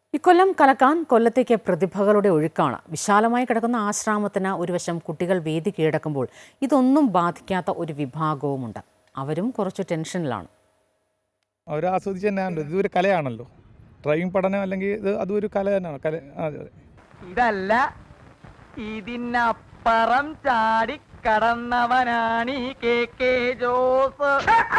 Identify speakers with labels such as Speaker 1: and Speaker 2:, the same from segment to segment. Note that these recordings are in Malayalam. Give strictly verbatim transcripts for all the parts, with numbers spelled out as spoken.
Speaker 1: ഇക്കൊല്ലം കലക്കാൻ കൊല്ലത്തേക്ക് പ്രതിഭകളുടെ ഒഴുക്കാണ്. വിശാലമായി കിടക്കുന്ന ആശ്രാമത്തിന് ഒരു വശം കുട്ടികൾ വേദി കീഴടക്കുമ്പോൾ ഇതൊന്നും ബാധിക്കാത്ത ഒരു വിഭാഗവുമുണ്ട്. അവരും കുറച്ച് ടെൻഷനിലാണ്.
Speaker 2: അവർ ആസ്വദിച്ച് തന്നെയാണല്ലോ, ഇതൊരു കലയാണല്ലോ. ഡ്രൈവിംഗ് പഠനം അല്ലെങ്കിൽ ഇത് അതും ഒരു കല തന്നെയാണ്. കല
Speaker 3: ഇതല്ല, ഇതിനപ്പുറം ചാടി കടന്നവനാണ് ഈ കെ കെ ജോസ്.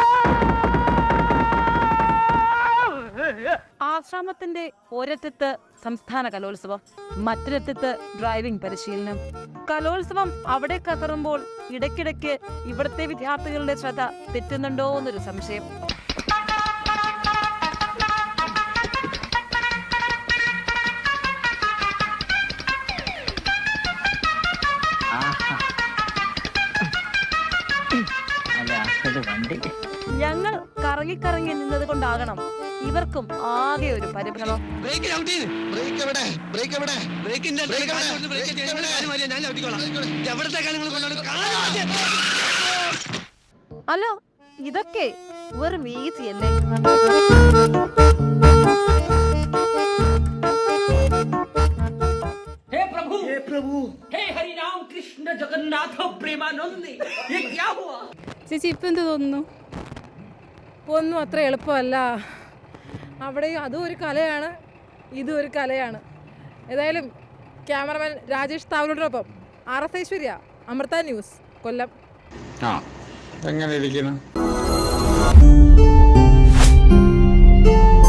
Speaker 4: ആശ്രാമത്തിന്റെ ഒരറ്റത്ത് സംസ്ഥാന കലോത്സവം, മറ്റൊരറ്റത്ത് ഡ്രൈവിംഗ് പരിശീലനം. കലോത്സവം അവിടെ കയറുമ്പോൾ ഇടയ്ക്കിടയ്ക്ക് ഇവിടുത്തെ വിദ്യാർത്ഥികളുടെ ശ്രദ്ധ തെറ്റുന്നുണ്ടോ എന്നൊരു സംശയം. ഞങ്ങൾ കറങ്ങി കറങ്ങി നിന്നത് കൊണ്ടാകണം ഇവർക്കും ആകെ ഒരു പരിഭ്രമം. അല്ല, ഇതൊക്കെ വെറും ഈസിയല്ലേ?
Speaker 5: हे प्रभु हे प्रभु हे हरि राम कृष्ण जगन्नाथ प्रेमानंद, ये क्या हुआ?
Speaker 6: ചേച്ചി ഇപ്പം എന്ത് തോന്നുന്നു? ഒന്നും അത്ര എളുപ്പമല്ല. അവിടെ അതും ഒരു കലയാണ്, ഇതും ഒരു കലയാണ്. ഏതായാലും ക്യാമറമാൻ രാജേഷ് താവലോടൊപ്പം R S Aishwarya, Amrita news, Kollam.
Speaker 7: ആ എങ്ങനെ ഇരിക്കുന്നു?